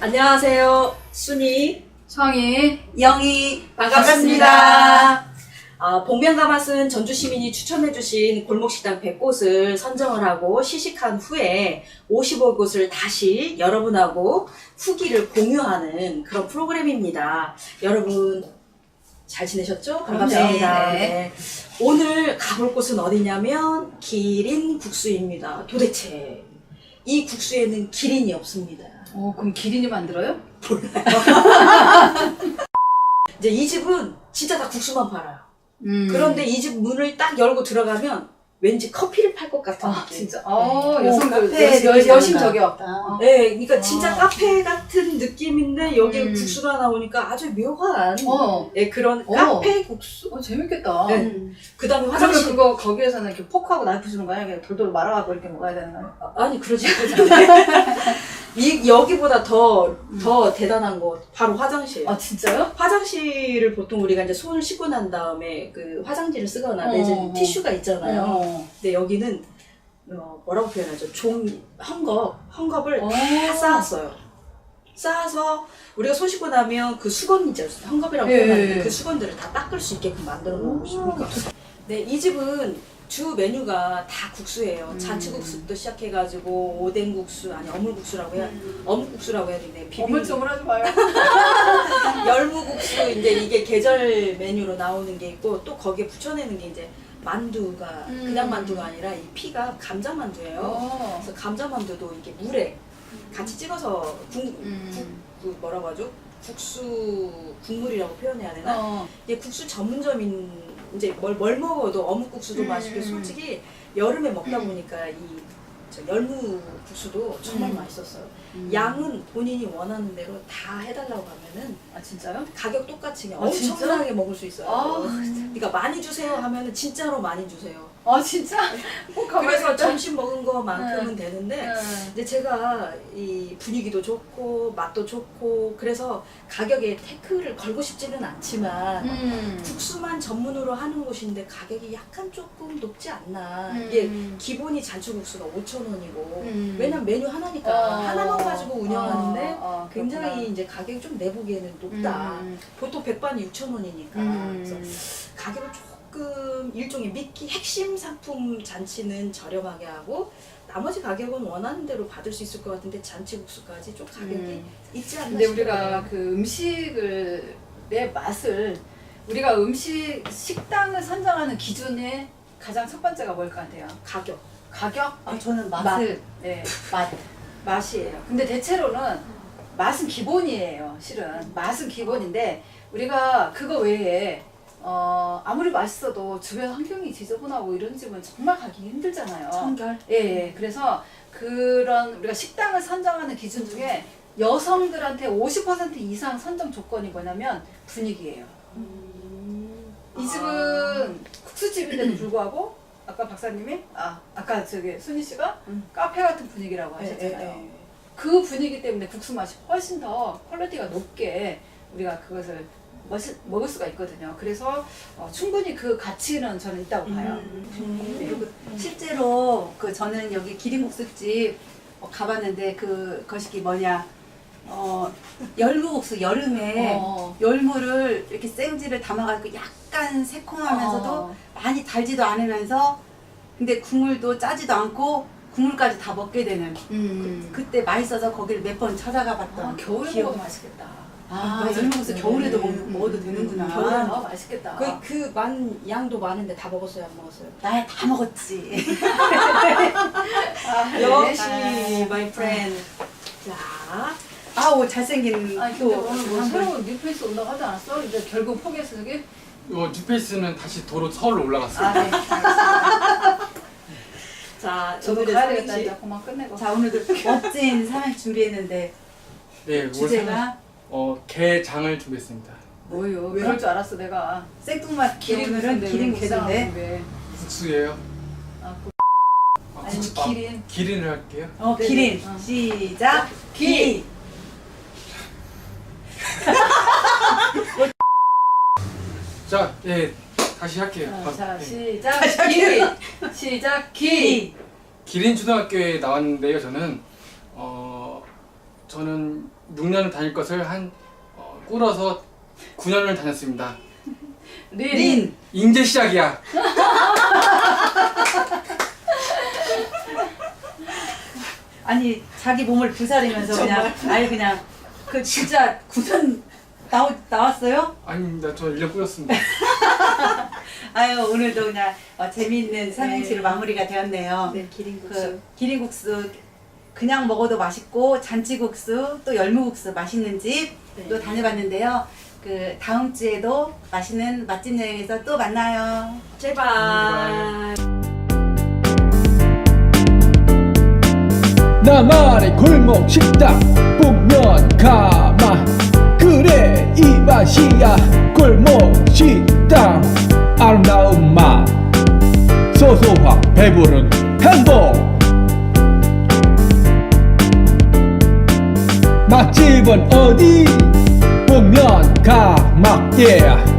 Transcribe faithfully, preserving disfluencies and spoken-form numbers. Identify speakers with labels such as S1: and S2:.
S1: 안녕하세요. 순이,
S2: 성이,
S3: 영희
S1: 반갑습니다.
S3: 반갑습니다.
S1: 아, 복면가맛은 전주시민이 추천해주신 골목식당 백 곳을 선정을 하고 시식한 후에 오십오 곳을 다시 여러분하고 후기를 공유하는 그런 프로그램입니다. 여러분 잘 지내셨죠? 반갑습니다.
S3: 네.
S1: 네. 오늘 가볼 곳은 어디냐면 기린 국수입니다. 도대체 이 국수에는 기린이 없습니다.
S2: 어, 그럼 기린이 만들어요?
S1: 이제 이 집은 진짜 다 국수만 팔아요.
S2: 음.
S1: 그런데 이 집 문을 딱 열고 들어가면 왠지 커피를 팔 것 같은
S2: 아,
S1: 느낌.
S2: 진짜. 아,
S3: 네.
S2: 여성들,
S3: 카페
S2: 여심,
S3: 느낌이
S2: 여심
S3: 난다.
S2: 저격.
S3: 아.
S1: 네, 그러니까
S2: 아.
S1: 진짜 카페 같은 느낌인데 여기에
S2: 음.
S1: 국수가 나오니까 아주 묘한
S2: 어,
S1: 네, 그런
S2: 어.
S1: 카페 국수.
S2: 어, 재밌겠다.
S1: 네.
S3: 음.
S1: 그 다음에
S2: 그러면
S1: 화장실.
S2: 그거 거기에서는 이렇게 포크하고 나이프 주는 거야? 그냥 돌돌 말아가고 이렇게 먹어야 되는 거야?
S1: 아, 아니 그러지 않아요. 이 여기보다 더 더 대단한 거 바로 화장실.
S2: 아, 진짜요?
S1: 화장실을 보통 우리가 이제 손을 씻고 난 다음에 그 화장지를 쓰거나
S2: 어,
S1: 내지
S2: 어.
S1: 티슈가 있잖아요.
S2: 어.
S1: 근데 여기는 어, 뭐라고 표현하죠? 종 헝겊 헝겊을
S2: 어.
S1: 다 쌓았어요. 쌓아서 우리가 손 씻고 나면 그 수건이죠. 헝겊이라고
S2: 예,
S1: 표현하는데
S2: 예.
S1: 그 수건들을 다 닦을 수 있게끔 만들어 놓은 곳이니까. 네, 이 집은 주 메뉴가 다 국수예요.
S2: 음.
S1: 잔치국수부터 시작해가지고 오뎅국수 아니 어물국수라고 해야 어묵국수라고 해야 되네. 비빔
S2: 어물쩡물하지 마요.
S1: 열무국수 이제 이게 계절 메뉴로 나오는 게 있고 또 거기에 붙여내는 게 이제 만두가
S2: 음.
S1: 그냥 만두가 아니라 이 피가 감자 만두예요.
S2: 어.
S1: 그래서 감자 만두도 이렇게 물에 같이 찍어서 국,
S2: 음.
S1: 국 그 뭐라고 하죠? 국수 국물이라고 표현해야 되나?
S2: 어.
S1: 이게 국수 전문점인 이제 뭘, 뭘 먹어도 어묵국수도
S2: 음.
S1: 맛있고 솔직히 여름에 먹다 보니까 이 저 열무국수도 정말
S2: 음.
S1: 맛있었어요.
S2: 음.
S1: 양은 본인이 원하는 대로 다 해달라고 하면은
S2: 아, 진짜요?
S1: 가격 똑같이 그냥
S2: 아, 진짜?
S1: 엄청나게 먹을 수 있어요.
S2: 아.
S1: 그러니까 많이 주세요 하면은 진짜로 많이 주세요.
S2: 아, 진짜? 꼭 가봐야겠다.
S1: 그래서 점심 먹은 거만큼은
S2: 응.
S1: 되는데
S2: 응.
S1: 근데 제가 이 분위기도 좋고 맛도 좋고 그래서 가격에 태클을 걸고 싶지는 않지만
S2: 음.
S1: 국수만 전문으로 하는 곳인데 가격이 약간 조금 높지 않나.
S2: 음.
S1: 이게 기본이 잔치국수가 오천 원이고
S2: 음.
S1: 왜냐면 메뉴 하나니까
S2: 어.
S1: 하나만 가지고 운영하는데
S2: 어, 어,
S1: 굉장히
S2: 그렇구나.
S1: 이제 가격이 좀 내보기에는 높다.
S2: 음.
S1: 보통 백반이 육천 원이니까.
S2: 음.
S1: 그래서 가격을 조금 일종의 미끼 핵심 상품 잔치는 저렴하게 하고 나머지 가격은 원하는 대로 받을 수 있을 것 같은데 잔치국수까지 좀 가격이
S2: 음.
S1: 있지 않나
S2: 근데
S1: 싶어요.
S2: 우리가 그 음식을 내 맛을 우리가 음식 식당을 선정하는 기준에 가장 첫 번째가 뭘 것 같아요?
S1: 가격.
S2: 가격?
S3: 아, 저는 맛.
S2: 맛을 네, 맛 맛이에요. 근데 대체로는 맛은 기본이에요. 실은 맛은 기본인데 우리가 그거 외에 어 아무리 맛있어도 주변 환경이 지저분하고 이런 집은 정말 가기 힘들잖아요.
S3: 청결.
S2: 예, 예. 그래서 그런 우리가 식당을 선정하는 기준 중에 여성들한테 오십 퍼센트 이상 선정 조건이 뭐냐면 분위기예요. 이 집은 국수집인데도 불구하고 아까 박사님이 아 아까 저기 순희 씨가
S1: 음.
S2: 카페 같은 분위기라고
S1: 예,
S2: 하셨잖아요.
S1: 예, 예.
S2: 그 분위기 때문에 국수 맛이 훨씬 더 퀄리티가 높게 우리가 그것을 멋이, 먹을 수가 있거든요. 그래서 어, 충분히 그 가치는 저는 있다고 봐요.
S1: 음.
S2: 네.
S3: 그리고 실제로 그 저는 여기 기린국수집 어, 가봤는데 그 것이 뭐냐 어 열무국수 여름에
S2: 어.
S3: 열무를 이렇게 생지를 담아가지고 약간 새콤하면서도
S2: 어.
S3: 많이 달지도 않으면서 근데 국물도 짜지도 않고 국물까지 다 먹게 되는
S2: 음.
S3: 그때 맛있어서 거기를 몇 번 찾아가 봤던
S2: 아, 겨울에
S3: 기억.
S2: 먹으면 맛있겠다.
S3: 아,
S1: 맞아요.
S3: 열무국수
S2: 네.
S3: 겨울에도 먹,
S2: 음,
S3: 먹어도
S2: 음,
S3: 되는구나.
S1: 겨울에
S2: 아, 맛있겠다.
S1: 그, 그 만 양도 많은데 다 먹었어요, 안 먹었어요?
S3: 나야 다 먹었지.
S2: 아, 네.
S1: 역시,
S2: 아.
S1: my friend. 자,
S3: 아우 잘생긴
S2: 아니
S3: 또
S2: 근데 오늘 뭐
S3: 한 분.
S2: 새로운 뉴페이스 온다고 하지 않았어? 이제 결국 포기했어 저기?
S4: 이거 뉴페이스는 다시 도로 서울로 올라갔어요.
S2: 아 네. 알겠습니다.
S1: 자,
S2: 저도
S1: 오늘의
S2: 가야 되겠다
S1: 삼행시.
S2: 이제 그만 끝내고.
S3: 자 오늘도 멋진 삼행 준비했는데
S4: 네, 올
S3: 주제가
S4: 어 게장을 준비했습니다.
S2: 뭐요?
S1: 왜요?
S2: 그럴 줄 알았어 내가.
S3: 생뚱맞게
S2: 기린
S3: 오늘은
S2: 국수인데
S3: 기린
S2: 왜 게장하고
S3: 국수인데
S2: 왜?
S4: 국수예요.
S2: 아, 그-
S4: 아,
S2: 아니
S4: 국수- 아,
S2: 기린.
S4: 기린을 할게요.
S3: 어
S2: 네네.
S3: 기린
S2: 어.
S3: 시작
S2: 기.
S4: 자, 예, 다시 할게요.
S2: 어,
S4: 아,
S2: 자
S4: 네.
S2: 시작 기. 시작 기.
S4: 기린 초등학교에 나왔는데요. 저는 어 저는 육 년을 다닐 것을 한 어, 꾸려서 구 년을 다녔습니다.
S2: 린.
S3: 린.
S4: 이제 시작이야.
S3: 아니 자기 몸을 부사리면서 그냥 아예 그냥 그 진짜 구선 나오, 나왔어요?
S4: 아닙니다. 저 일 년 꾸렸습니다.
S3: 아유 오늘도 그냥 어, 재미있는 삼행시로
S1: 네.
S3: 마무리가 되었네요.
S1: 네, 기린국수.
S3: 그 기린국수 그냥 먹어도 맛있고 잔치국수 또 열무국수 맛있는 집 또
S1: 네.
S3: 다녀봤는데요. 그 다음 주에도 맛있는 맛집 여행에서 또 만나요.
S1: 제발.
S5: 나만의 골목 식당 북면 가마 그래 이 맛이야 골목 식당 아름다운 맛 소소한 배부른 행복 맛집은 어디 북면 가마 yeah.